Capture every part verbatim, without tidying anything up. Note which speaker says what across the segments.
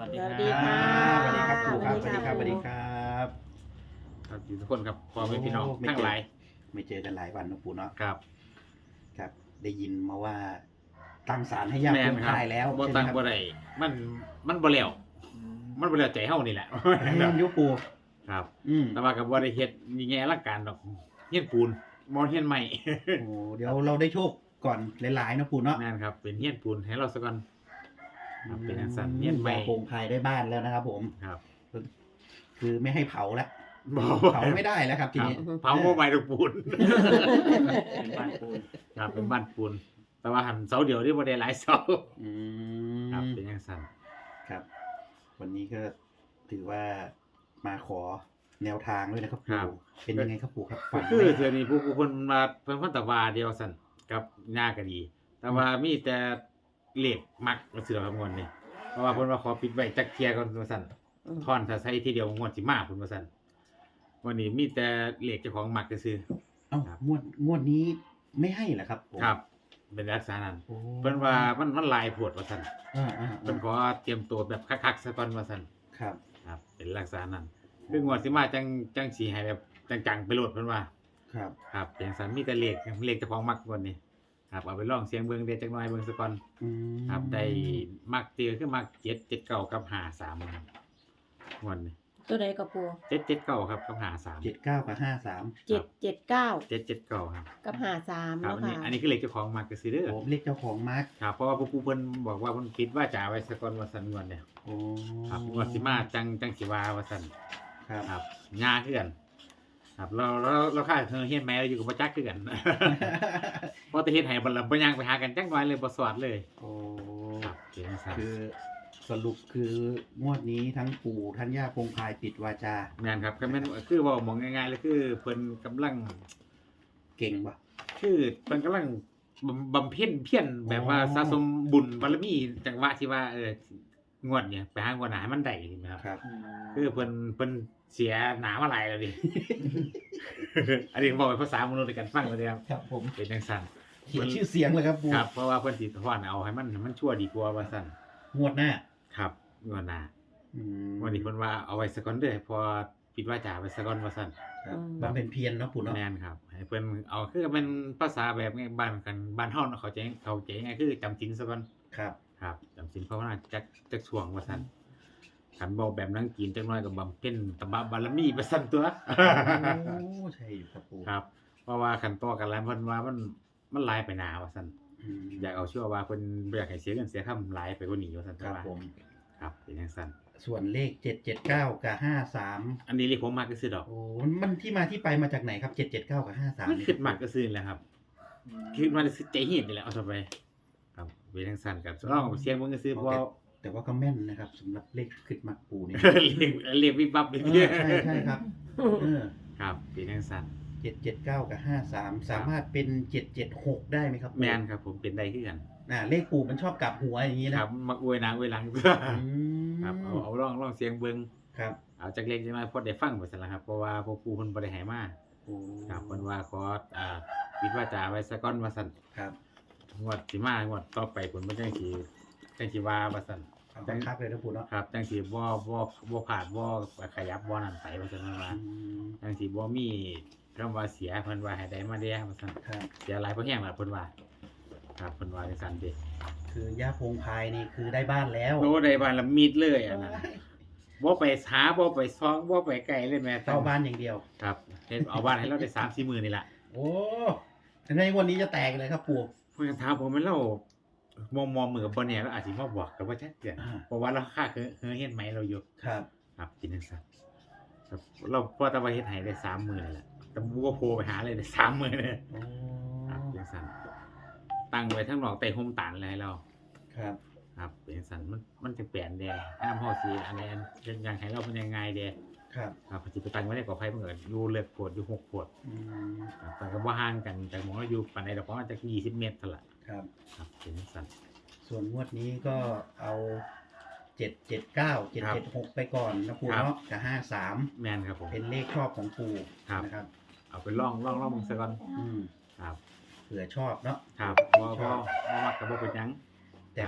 Speaker 1: วัสดี
Speaker 2: ส
Speaker 1: ค
Speaker 2: วั
Speaker 1: รั
Speaker 2: สดีค่ะ
Speaker 1: บ
Speaker 3: สวัสดีครับครูครับ
Speaker 2: ส
Speaker 3: ส
Speaker 2: วั
Speaker 3: วั
Speaker 2: ส
Speaker 3: ส
Speaker 2: ดี
Speaker 3: ดี
Speaker 2: ค
Speaker 3: ค
Speaker 2: รั
Speaker 3: รับ บสวัสดีครับ
Speaker 1: ครับอยู่ทุกคนครับพ่อแม่พี่น้อง
Speaker 3: โอ้ไม่
Speaker 1: ทั้ง
Speaker 3: เจอ
Speaker 1: หลาย
Speaker 3: ไม่เจอกันหลายวันนะปู่เนาะ
Speaker 1: ครับ
Speaker 3: ครับ ได้ยินมาว่า ตั้งศาลให้ย่า
Speaker 1: แม่
Speaker 3: ค
Speaker 1: น
Speaker 3: ง
Speaker 1: ครับ
Speaker 3: คายแล้ว
Speaker 1: บ่
Speaker 3: ใช่ไหม
Speaker 1: ตั้ง
Speaker 3: ครับ
Speaker 1: บ่ได้มันมันบ่แล้วมันบ่แล้วใจเฮานี่แหละ
Speaker 3: แม่นอยุปู่
Speaker 1: ครับ
Speaker 3: อืม
Speaker 1: แต่ว่าก็บ่ได้เฮ็ดมีแง่อลังการดอกเฮียนปูนบ่เฮียนใหม่
Speaker 3: โอ้เดี๋ยวเราได้โชคก่อนหลายๆนะปู่เนาะ
Speaker 1: แม่นครับเป็นเฮียนปูนให้เราซะก่อนครับเป็นจังซั่นเฮียนใหม่
Speaker 3: ย่าคงคายได้บ้านแล้วนะครับผม
Speaker 1: ครับ
Speaker 3: คือไม่ให้เผาแล้ว
Speaker 1: บ่
Speaker 3: เผาไม่ได้แล้วครับที
Speaker 1: ครับ
Speaker 3: นี้
Speaker 1: เผาบ่ใหม่ดอกปูน
Speaker 2: เป็นบ้านปูน
Speaker 1: ครับเป็นบ้านปูน แต่ว่าหันเสาเดียวนี่บ่ได้หลายเสา
Speaker 3: อื
Speaker 1: ครับ
Speaker 3: ม
Speaker 1: เป็นจังซั่น
Speaker 3: ครับ วันนี้ก็ถือว่ามาขอแนวทางด้วยนะครับ
Speaker 1: ครั
Speaker 3: ปู่
Speaker 1: บ
Speaker 3: เป็นยังไงครับปู่ครับฝัน
Speaker 1: คือ
Speaker 3: ไหม
Speaker 1: เทื่อนี้ผู้ผู้คนมาเพิ่นเพิ่นตะวาเดียวสั่นกับหน้าก็ดี แต่ว่ามีแต่เลขมักมาเสือคำนวณนี่เพราะว่าเพิ่นว่าขอปิดไว้จักเที่ยก่อนว่าซั่นทอนถ้าใช้ทีเดียวงวดสิมาเพิ่นว่าซั่นวันนี้มีแต่เลขเจ้าของมักซื่อ
Speaker 3: เอ้า
Speaker 1: ครับ
Speaker 3: งวดงวดนี้ไม่ให้เหรอครับผม
Speaker 1: ครับ เป็นลักษณะนั้น
Speaker 3: โอ้
Speaker 1: เพิ่นว่ามันมันหลายโพดว่าซั่น
Speaker 3: อ่าอ่า
Speaker 1: เพิ่นขอเตรียมตัวแบบคักๆซะก่อนว่าซั่น
Speaker 3: ครับ
Speaker 1: ครับ เป็นลักษณะนั้นคืองวดสิมาจังจังสิให้แบบจังๆไปโลดเพิ่นว่า
Speaker 3: ครับ
Speaker 1: ครับเป็นจังซั่นมีแต่เลขเลขเจ้าของมักก่อนนี่ครับเอาไปลองเสียงเบิ่งเด้จักหน่อยเบิ่งซะก่อน
Speaker 3: อืม
Speaker 1: ครับได้มักเตียคือมักเจ็ดเจ็ดเก้ากับหาสามครับวันนี้
Speaker 2: ตัวใดกับปู
Speaker 1: เจ็ดเจ็ดเก้าครับกับหาสาม
Speaker 3: เจ็ดเก้ากับห้าสาม
Speaker 2: เจ็ดเจ็ดเก้า
Speaker 1: เจ็ดเจ็ดเก้าครับ
Speaker 2: กับหาสาม
Speaker 1: ครับ
Speaker 2: แล้ว
Speaker 1: อันนี้
Speaker 2: ค่ะ
Speaker 1: อันนี้คือเลขเจ้าของมักก็ซื้อเด้อ
Speaker 3: ผมเรียกเจ้าของมาร์ก
Speaker 1: ครับเพราะว่าผู้เพิ่นบอกว่าเพิ่นคิดว่าจะเอาไว้สักก่อนว่าสันงวนเนี่ย
Speaker 3: โอ้
Speaker 1: ครับงวดสิมาจังจังสิว่าว่าสัน
Speaker 3: ครับ
Speaker 1: ครับงาคือกันครับเราเราเราค่าเธอเฮียนแม่เราอยู่กับบ่จักคือกัน เพราะแต่เฮ็ดให้บ่ละบ่ย่างไปหากันจักหน่อยเลยบ่สอดเลย
Speaker 3: โอ้
Speaker 1: ครับเป็นจังซั่น
Speaker 3: คือสรุปคืองวดนี้ทั้งปู่ทั้งย่าคงคายปิดวาจา
Speaker 1: แม่นครับก็แม่นคือเว้ามองง่ายๆเลยคือเพิ่นกำลัง
Speaker 3: เก่งปะ
Speaker 1: คือเพิ่นกำลังบำบำเพ็ญเพียรแบบว่า
Speaker 3: อ๋อ
Speaker 1: สะสมบุญบารมีจังหวะที่ว่าเอองวดเนี่ยไปหางวดหนาให้มันได้ใช่ไหมครับ
Speaker 3: ครับ
Speaker 1: คือเพิ่นเพิ่นเสียหนามาหลายแล้วดิ อันนี้บอกเป็นภาษามนุษย์ในการฟังเลยครับ
Speaker 3: ครับผม
Speaker 1: เป็นจังซั่น
Speaker 3: เขียนชื่อเสียงเลยครับปู่
Speaker 1: ครับเพราะว่าเพิ่นสิถอนเอาให้มันให้มันชั่วดีกว่าว่าซั่น
Speaker 3: งวดหน้า
Speaker 1: ครับงวดหน้า
Speaker 3: อืม
Speaker 1: วันนี้เพิ่นว่าเอาไว้ซะก่อนเด้อพอปิดวาจาไว้ซะก่อนว่าซั่น
Speaker 3: ครับบำเพ็ญเพียรเนาะปู่เนาะ
Speaker 1: แม่นครับให้เพิ่นเอาคือเป็นภาษาแบบง่ายบ้านกันบ้านเฮาเนาะเข้าใจเข้าใจง่ายคือจำศีลซะก่อน
Speaker 3: ครับ
Speaker 1: ครับจำศีลภาวนาจักจักช่วงว่าซั่นคันเว้าแบบนังกินจักหน่อยก็บำเพ็ญตบะบารมีไปซั่นตัว
Speaker 3: โอ้ใช่อยู่ครับปู่
Speaker 1: ครับ เพราะว่าคันต่อกันแล้วเพิ่นว่ามันมันหลายไปหนาว่าซั่น
Speaker 3: อืม
Speaker 1: อยากเอาชื่อว่าเพิ่นบ่อยากให้เสียเงินเสียคำหลายไปกว่านี้ว่าซั่น
Speaker 3: ครับ
Speaker 1: ว่า
Speaker 3: ผม
Speaker 1: ครับเป็นจังซั่น
Speaker 3: ส่วนเลขเจ็ดเจ็ดเก้ากับห้าสาม
Speaker 1: อันนี้เรียกผมมักก็ซื้อดอก
Speaker 3: โอ้มันที่มาที่ไปมาจากไหนครับเจ็ดเจ็ดเก้ากับห้าสาม
Speaker 1: มันคิดมักก็ซื้อแหละครับคิดมาซื้อใจเฮ็ดนี่แหละเอาต่อไปครับเป็นจังซั่นครับลองเอาเสียงเบิ่งก็ซื้อเพราะว่า
Speaker 3: แต่ว่าก็แม่นนะครับสำหรับเลขขึ้นมักปูเนี่ย
Speaker 1: เรียกเรียกวิบวับไป
Speaker 3: เอ
Speaker 1: เรื่
Speaker 3: อ
Speaker 1: อย
Speaker 3: ใช่ใช่ครับเออ
Speaker 1: ครับเป็นจังซั่น
Speaker 3: เจ็ดเจ็ดเก้ากับห้าสามสามารถเป็นเจ็ดเจ็ดหกได้ไหมครับปู่
Speaker 1: แม่นครับผมเป็นได้คือกัน
Speaker 3: อ่าเลขปู่มันชอบกลับหัวอย่างนี้
Speaker 1: ค
Speaker 3: นะ
Speaker 1: รับมักอวยหนางอวยหลัง
Speaker 3: อืม
Speaker 1: ครับเอาเอาลองลองเสียงเบิ่ง
Speaker 3: ครับ
Speaker 1: เอาจักเล็กจักน้อยพอได้ฟังไปซั่นล่ะครับเพราะว่าพวกครูเพิ่นบ่ได้ให้มา
Speaker 3: โอ้
Speaker 1: ครับเพิ่นว่าขออ่าปิดวาจาไว้ซะก่อนว่าซั่น
Speaker 3: ครับ
Speaker 1: งวดสิมางวดต่อไปผลมันจังสิจังสิว่าว่าซั่น
Speaker 3: เอาบังคับเลยนะปู่เนาะ
Speaker 1: ครับจังสิบ่บ่บ่ผ่านบ่ขยับบ่นั่นไปว่าซั่นว่า
Speaker 3: อืม
Speaker 1: จังสิบ่มีคำว่าเสียเพิ่นว่าให้ได้มาแด่ว่าซั่น
Speaker 3: ครับ
Speaker 1: เสียหลายเพราะแห้งล่ะเพิ่นว่า ครับเพิ่นว่าจังซั่นเด้
Speaker 3: คือย่าพงพายนี่คือได้บ้านแล้ว
Speaker 1: โอ้ได้บ้านละมิดเลยอันนั้นบ่ไปหาบ่ไปซองบ่ไปไกลเลยแม่
Speaker 3: เข้าบ้านอย่างเดียว
Speaker 1: ครับเฮ็ดเอาบ้านให้เราได้ สามสี่ มื้อนี่ล่ะ
Speaker 3: โอ้ในวันนี้จะแตกเลยครับปู่
Speaker 1: เพิ่นก็ถามผมว่าเรามองมองมือกับบ่แน่เราอาจสิมาบอกก็บ่ชัดเจน
Speaker 3: อ่า
Speaker 1: เพราะว่าเราค่าคือคือเฮ็ดไหมเราอยู่
Speaker 3: ครับ
Speaker 1: ครับกินจังซั่นครับเราพอแตะว่าเฮ็ดให้ได้สามมื้อนี่แหละแต่บ่ว่าโผล่ไปหาเลยได้สามมื้อเลย
Speaker 3: โอ้
Speaker 1: ครับจังซั่นตั้งไว้ทั้งนอกใต้ห่มตานเลยให้เรา
Speaker 3: ครับ
Speaker 1: ครับเป็นจังซั่นมันมันจะเปลี่ยนแดห้ามเฮาสิอันใดอันยังให้เราเป็นยังไงแด
Speaker 3: ครับ
Speaker 1: ครับสิไปตั้งไว้ในกอไผ่มันก็อยู่เลิกโพดอยู่หกโพด
Speaker 3: อืม
Speaker 1: ครับแต่ก็บ่ห่างกันจากหม้องเราอยู่ปานใดดอกประมาณจักยี่สิบเมตรเท่านั้นล่ะ
Speaker 3: ครับ
Speaker 1: ครับเป็นจังซั่น
Speaker 3: ส่วนงวดนี้ก็เอาเจ็ดเจ็ดเก้าเจ็ด
Speaker 1: ครั
Speaker 3: เจ็ด
Speaker 1: บ
Speaker 3: หกไปก่อนนะปู่
Speaker 1: ครับ
Speaker 3: เนาะกับห้าสาม
Speaker 1: แม่นครับผม
Speaker 3: เป็นเลขชอบของปู่
Speaker 1: ครับ
Speaker 3: นะครับ
Speaker 1: เอาไปลองลองลองมึงซะก่อน
Speaker 3: อืม
Speaker 1: ครับ
Speaker 3: เผื่อชอบเนาะ
Speaker 1: ครับบ่บ่บ่มักก็บ่เป็นหยัง
Speaker 3: แต่
Speaker 1: ครับ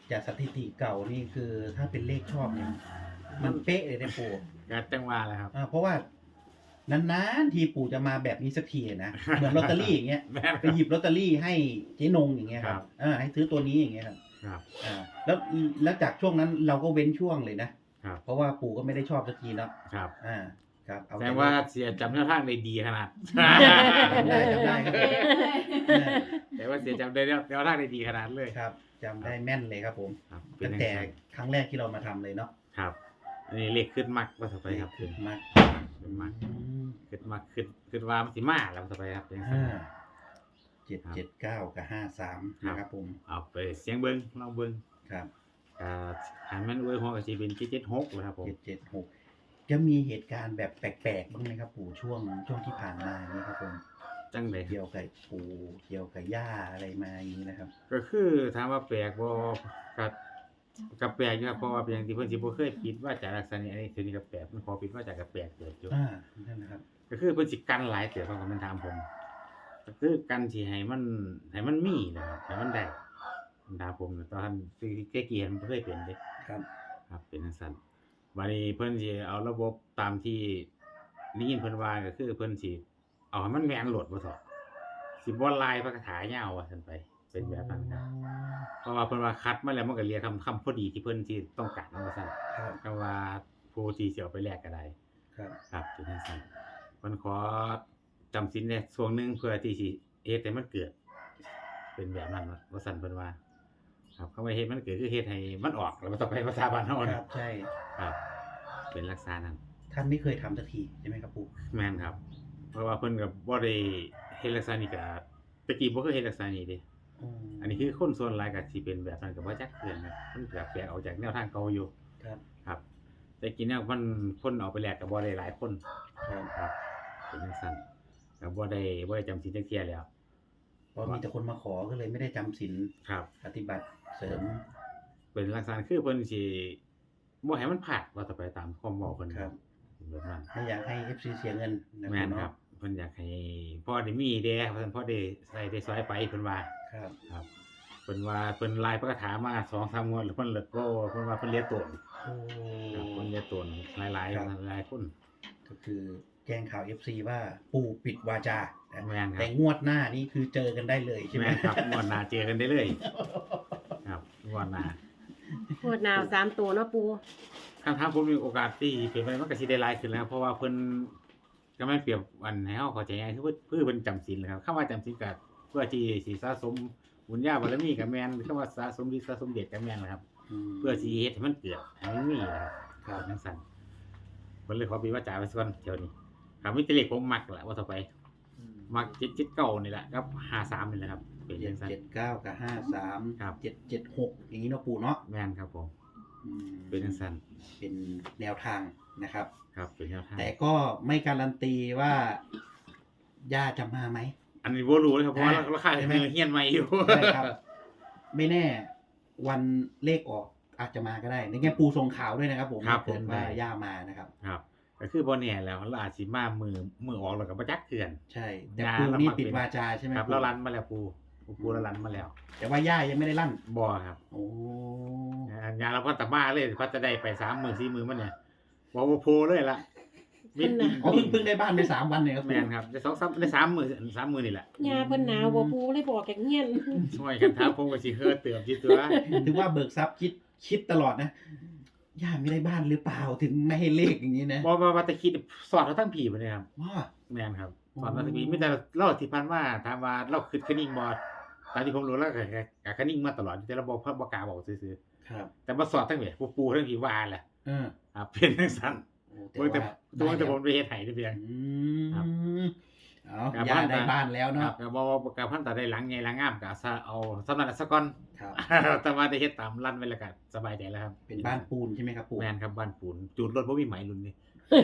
Speaker 3: จากสถิติเก่านี่คือถ้าเป็นเลขชอบเนี่ยมันเป๊ะเลยนะปู่
Speaker 1: ก็จังหว่าแหละครับ
Speaker 3: อ่าเพราะว่านานๆทีปู่จะมาแบบนี้สักทีนะเหมือนลอตเตอรี่อย่างเงี้ย
Speaker 1: แม่น
Speaker 3: ไปหยิบลอตเตอรี่ให้เจ๊นงอย่างเงี้ยค
Speaker 1: ครั
Speaker 3: รับบ อ่าให้ซื้อตัวนี้อย่างเงี้ยครับ
Speaker 1: ครับ
Speaker 3: อ่าแล้วแล้วจากช่วงนั้นเราก็เว้นช่วงเลยนะครับ เพราะว่าปู่ก็ไม่ได้ชอบสักทีแล้ว
Speaker 1: ครับ
Speaker 3: อ่าครับเอา
Speaker 1: แสดงว่าเสียจำแนวทางได้ดีขนาด
Speaker 3: จำได้จำได้ครับผม
Speaker 1: แต่ว่าเสียจำได้แนวแนวทางได้ดีขนาดเลย
Speaker 3: ครับจำได้แม่นเลยครับผม
Speaker 1: ครับเป็น
Speaker 3: ตั้ง
Speaker 1: จัง
Speaker 3: แต่
Speaker 1: ซั่น
Speaker 3: ครั้งแรกที่เรามาทำเลยเนาะ
Speaker 1: ครับอันนี้เลขขึ้นมักว่าต่อไปครับขึ้น
Speaker 3: มาก
Speaker 1: ขึ้นมัก
Speaker 3: อืม
Speaker 1: ขึ้นมักขึ้นขึ้นว่ามันสิมาแล้วต่อไปครับจังซั่น
Speaker 3: ห้าเจ็ดเจ็ดเก้ากับห้าสาม
Speaker 1: ครับ
Speaker 3: นะครับผม
Speaker 1: เอาไปเสียงเบิ่งลองเบิ่ง
Speaker 3: ครับ
Speaker 1: อ่าหันมันอวยหัวก็สิเป็นเจ็ดเจ็ดหกนะครับผม
Speaker 3: เจ็ดเจ็ดหกจะมีเหตุการณ์แบบแปลกๆบ้างไหมครับปู่ช่วงช่วงที่ผ่านมานี่ครับผม
Speaker 1: จังได๋
Speaker 3: เกี่ยวกับปู่เกี่ยวกับย่าอะไรมาอย่างนี้นะครับ
Speaker 1: ก็คือถามว่าแปลกบ่ก็ก็แปลกอยู่ครับเพราะว่าเป็นอย่างที่เพิ่นสิบ่เคยปิดว่าจากลักษณะนี้อันนี้คือนี่ก็แปลกมันขอปิดว่าจากก็แปลกเกิดอยู่
Speaker 3: อ่านั่นนะครับ
Speaker 1: ก็คือเพิ่นสิกันหลายเตือเขาก็มันถามผมก็คือกันสิให้มันให้มันมีนะครับให้มันได้มันถามผมตอนที่แกเกียนมันบ่เคยเป็นเด้
Speaker 3: ครับ
Speaker 1: ครับเป็นจังซั่นบัดนี้เพิ่นสิเอาระบบตามที่ได้ยินเพิ่นว่าก็คือเพิ่นสิเอาให้มันแม่นโหลดบ่ซอสิบ่ลายพระคาถายาวว่าซั่นไปเป็นแบบนั้นครับเพราะว่าเพิ่นว่าคัดมาแล้วมันก็เรียกคำคำพอดีที่เพิ่นสิต้องการว่าซั่น
Speaker 3: ครับ
Speaker 1: ก็ว่าผู้ที่สิเอาไปแลกก็ได้
Speaker 3: ครับ
Speaker 1: ครับเป็นจังซั่นเพิ่นขอจำศีลได้ช่วงหนึงเพื่อที่สิเฮ็ดให้มันเกิด เป็นแบบนั้นว่าซั่นเพิ่นว่า ครับคำว่าเฮ็ดมันเกิดคือเฮ็ดให้มันออกแล้วมันต้องไปภาษาบ้านเฮา
Speaker 3: ค
Speaker 1: นะ
Speaker 3: รับใช่
Speaker 1: ครับ เป็นลักษณะนั้น
Speaker 3: ท่านไม่เคยทำสักทีใช่ไหมครับปู่
Speaker 1: แม่นครับ เพราะว่าเพิ่นก็บ่ได้เฮ็ดลักษณะนี้ก็ตะกี้บ่เคยเฮ็ดลักษณะนี้เด้
Speaker 3: อืม
Speaker 1: อันนี้คือคนส่วนหลายก็สิเป็นแบบนั้นก็บ่จักเทื่อนนะมันก็แปลกออกจากแนวทางเก่าอยู่
Speaker 3: ครับ
Speaker 1: ครับแต่กี้เนี่ยมันคนเอาไปแลกก็บ่ได้หลายคน
Speaker 3: ครับ
Speaker 1: ครับเป็นจังซั่นก็บ่ได้บ่ได้จำศีลจักเที่ยแล้ว
Speaker 3: เพราะมีแต่คนมาขอก็เลยไม่ได้จำศีล
Speaker 1: ครับ
Speaker 3: ปฏิบัติเสริม
Speaker 1: เป็นลักษณะคือเพิ่นสิบ่ให้มันพลาดว่าต่อไปตามความเว้าเพิ่น
Speaker 3: ครับ
Speaker 1: เป็นแบบนั้น
Speaker 3: ไม่อยากให้ เอฟ ซี เสียเงินนะ
Speaker 1: แม่น
Speaker 3: เนาะ
Speaker 1: ครับเพิ่นอยากให้พ่อได้มีเด้เพราะฉะนั้นพ่อได้ใส่ได้ซอยไปเพิ่นว่า
Speaker 3: ครับ
Speaker 1: ครับเพิ่นว่าเพิ่นลายพระคาถามา สองสาม งวดแล้วเพิ่นเลิกบ่เพิ่นว่าเพิ่นเรียนตน
Speaker 3: โอ้
Speaker 1: ครับเพิ่นเรียนตนหลายๆหลายๆคน
Speaker 3: ก็คือแจ้งข่าว เอฟ ซี ว่าปู่ปิดวาจานะ
Speaker 1: แม่นครั
Speaker 3: แต่
Speaker 1: บ
Speaker 3: งวดหน้านี่คือเจอกันได้เลยใช่ไหม
Speaker 1: แม่นครับงวดหน้าเจอกันได้เลยครับงวดหน้า
Speaker 2: งวดหนาวสามตัวเนาะปู
Speaker 1: คำถามผมมีโอกาสที่เป็นไปมันก็สิได้หลายขึ้นแล้วเพราะว่าเพิ่นก็แม่นเปรียบอันให้เฮาเข้าใจง่ายคือเพิ่นเพื่อเพิ่นจำศีลนะครับคำว่าจำศีลก็เพื่อที่สิสะสมบุญญาบารมีก็แม่นคำว่าสะสมฤทธิ์สะสมเดชก็แม่นนะครับ
Speaker 3: ม
Speaker 1: เพื่อสิเฮ็ดให้มันเกิดให้มันมีนะครับ
Speaker 3: ครับ
Speaker 1: จังซั่นเพิ่นเลยขอปิดวาจาไว้ก่อนเดี๋ยวนี้ครับมีแต่เลขผมมักแหละว่าต่อไป มักเจ็ดเจ็ดเก้านี่แหละกับห้าสามนี่แหละครับ เป็น
Speaker 3: เจ็
Speaker 1: จั
Speaker 3: ด
Speaker 1: งซั่น
Speaker 3: เจ็ดเก้ากับห้าสาม
Speaker 1: ครับ
Speaker 3: เจ็ดเจ็ดหกอย่างนี้เนาะปู่เนาะ
Speaker 1: แม่นครับผม
Speaker 3: อืม
Speaker 1: เป็นจังซั่น
Speaker 3: เป็นแนวทางนะครับ
Speaker 1: ครับเป็นแนวทาง
Speaker 3: แต่ก็ไม่การันตีว่าย่าจะมาไหม
Speaker 1: อันนี้บ่รู้เลยครับเพราะว่า
Speaker 3: อ่า
Speaker 1: ราคา
Speaker 3: ใช่ไหม
Speaker 1: เฮียนใหม่อยู่
Speaker 3: ใช่ครับ ไม่แน่วันเลขออกอาจจะมาก็ได้ในแง่ปูส่งข่าวด้วยนะครับ ผม
Speaker 1: ครับ
Speaker 3: เกิด
Speaker 1: ผม
Speaker 3: ว่า
Speaker 1: ได้
Speaker 3: ย่ามานะครับ
Speaker 1: ครับก็คือบ่แน่แล้วเราอาจสิมามือมือออกแล้วก็บ่จักเทื่อน
Speaker 3: ใช่ แต่
Speaker 1: ย่า
Speaker 3: ปู
Speaker 1: เรา
Speaker 3: นี่
Speaker 1: มา
Speaker 3: ปิด
Speaker 1: เป็น
Speaker 3: วาจาใช่ไหม
Speaker 1: ครับ
Speaker 3: ปู่
Speaker 1: เราลันมาแล้วปูปูปูเราลันมาแล้ว
Speaker 3: แต่ว่าย่ายังไม่ได้ลั่น
Speaker 1: บ่ครับ
Speaker 3: โอ้
Speaker 1: อันยาเราพัฒมาเลยพัฒได้ไปสามมื้อสี่มื้อมันเนี่ยบ่บ่โพเลยล่ะมิด
Speaker 3: อ๋อเพิ่งเพิ่งได้บ้านไปสามวันเนี่ยครับ
Speaker 1: แม่นครับได้สองสามได้สามมื้อสามมื้อนี่แหละ
Speaker 2: ยาเพิ่นหนาวบ่ปูเลยบอกแกเงียน
Speaker 1: ช่วยกันถามผมก็สิเฮือเติมที่ตัว
Speaker 3: ถือว่าเบิกทรัพย์คิดคิดตลอดนะย่าไม่ได้บ้านหรือเปล่าถึงไม่ให้เลขอย่างนี้นะ
Speaker 1: บ่บ่ว่าแต่คิดสอดเราทั้งผีบ่ได้ครับ
Speaker 3: ว้า
Speaker 1: แม่นครับ
Speaker 3: อ๋อ
Speaker 1: สอดเราทั้งผีมีแต่เล่าที่ผ่านมาถามว่าเราคิดคนิ่งบ่ตามที่ผมรู้แล้วก็ก็คนิ่งมาตลอดแต่เราบ่บ่กล้าบอกซื่อ
Speaker 3: ครับ
Speaker 1: ๆแต่บ่สอดทั้งแบบปูๆทั้งผีว่าแหละ
Speaker 3: เออ
Speaker 1: ครับเป็นจังซั่น
Speaker 3: โอ้แต่
Speaker 1: เบิ่งแต่
Speaker 3: ว่า
Speaker 1: ตัวแต่
Speaker 3: ได้
Speaker 1: ผมไปเฮ็ดให้ได้เพียง
Speaker 3: อื
Speaker 1: ครับ
Speaker 3: มเอา
Speaker 1: ครับ
Speaker 3: ย่า
Speaker 1: บ้าน
Speaker 3: ได้บ้านแล้ว
Speaker 1: ครั
Speaker 3: เนาะ
Speaker 1: บก็บ่ว่ากับพันตาได้หลังใหญ่หลังงามก็ซะเอาสำนักซะก่อน
Speaker 3: ครับ
Speaker 1: แต่ว่าได้เฮ็ดตามลั่นไว้แล้วก็สบายใจแล้วครับ
Speaker 3: เป็นบ้านปูนใช่ไหมครับปู่
Speaker 1: แม่นครับบ้านปูนจูดรถบ่มีไหมรุ่นนี้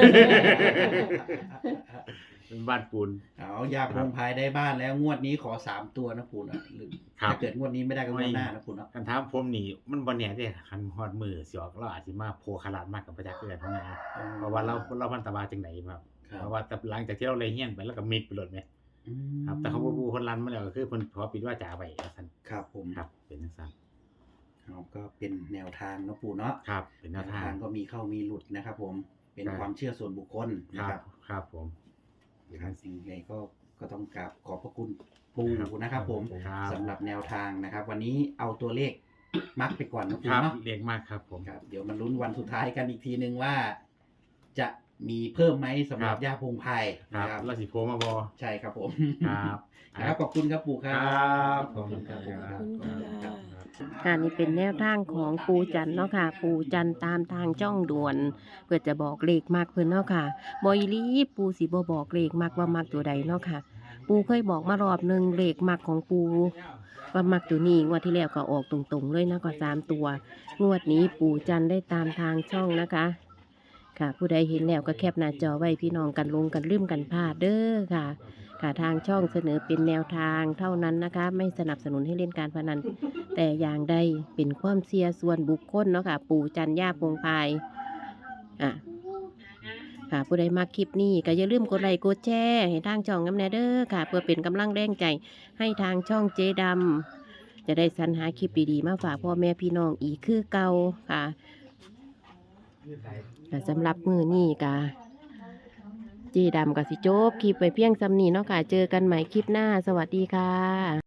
Speaker 1: เป็นบ้านปูน
Speaker 3: เอายาพงพายได้บ้านแล้วงวดนี้ขอสามตัวนะปู่นะหรือ
Speaker 1: ครับ
Speaker 3: ถ้าเกิดงวดนี้ไม่ได้ก็งวดหน้านะปู่เนาะ
Speaker 1: คันถามผมนี่มันบ่แน่เด้คันฮอดมือสิออกเราอาจสิมาโพคาราดมากกับประจักษ์เกิดเท่านั้นเพราะว่าเราเราพันตะบาจังไดครับ
Speaker 3: ครั
Speaker 1: เพ
Speaker 3: บ
Speaker 1: ราะว่าแต่หลังจากที่เราเลยเฮียนไปแล้วก็มิดไปโลดแม่
Speaker 3: อืม
Speaker 1: ครับ แต่เขาบ่ฮู้คนรันมาแล้วก็คือเพิ่นขอปิดวาจาไว้ว่าซั่น
Speaker 3: ครับผม
Speaker 1: ครับ เป็นจังซั่น
Speaker 3: เอาก็เป็นแนวทางเนาะปู่เนาะ
Speaker 1: ครับ เป็นแน
Speaker 3: แน
Speaker 1: ว
Speaker 3: ว
Speaker 1: ทา
Speaker 3: ทาง งก็มีเข้ามีหลุดนะครับ ผมเป็น
Speaker 1: ครับ
Speaker 3: ความเชื่อส่วนบุคคล
Speaker 1: ค
Speaker 3: นะ
Speaker 1: รั
Speaker 3: ครับ บ
Speaker 1: ครับผม
Speaker 3: ครับสิ่งใดก็ก็ต้องกราบขอบพระคุณปู่นะครับ ผม
Speaker 1: ครับ
Speaker 3: สำหรับแนวทางนะครับ วันนี้เอาตัวเลขมักไปก่อนนะ
Speaker 1: ค
Speaker 3: ปู่
Speaker 1: รับ
Speaker 3: เนาะ
Speaker 1: เรียกมากครับผม
Speaker 3: ครับเดี๋ยวมาลุ้นวันสุดท้ายกันอีกทีนึงว่า จะมีเพิ่มไหมสำหรับ
Speaker 1: ครับ
Speaker 3: ย่าพงไพร
Speaker 1: ครับ
Speaker 3: นะครับ
Speaker 1: ราศีโพมาบอ
Speaker 3: ใช่ครับผม
Speaker 1: ครับ
Speaker 3: ครับขอบคุณครับปู่ค
Speaker 1: ค
Speaker 3: รั
Speaker 1: รับ
Speaker 3: ขอบคุณครับ
Speaker 2: ขอบคุณค่ะ
Speaker 4: ค่ะนี่เป็นแนวทางของปูจันทร์เนาะค่ะ ปูจันทร์ตามทางจ้องด่วน เพื่อจะบอกเลขมากเพิ่นเนาะค่ะบอยลีปูสิบ่บอกเลขมากว่ามักตัวใดเนาะค่ะ ปูเคยบอกมารอบหนึ่งเลขมักของปูว่ามักตัวนี้งวดที่แล้วก็ออกตรงๆเลยนะก็สามตัว งวดนี้ปูจันทร์ได้ตามทางช่องนะคะ ค่ะ ผู้ใดเห็นแล้วก็แคปหน้าจอไว้พี่น้องกันลงกันลืมกันพลาดเด้อค่ะ ค่ะทางช่องเสนอเป็นแนวทางเท่านั้นนะคะ ไม่สนับสนุนให้เล่นการพนัน แต่อย่างใดเป็นความเสียส่วนบุคคลเนาะค่ะ ปู่จันย่าพงพายอ่ะค่ะผู้ใดมาคลิปนี้ก็อย่าลืมกดไลค์กดแชร์ให้ทางช่องน้ำแนเด้อค่ะ เพื่อเป็นกำลังแรงใจให้ทางช่องเจดำจะได้สรรหาคลิปดีๆมาฝากพ่อแม่พี่น้องอีกคือเก่าค่ะแต่สำหรับมือนี้ก็เจดำกับสิโจบคลิปไปเพียงซ้ำนี้เนาะค่ะ เจอกันใหม่คลิปหน้าสวัสดีค่ะ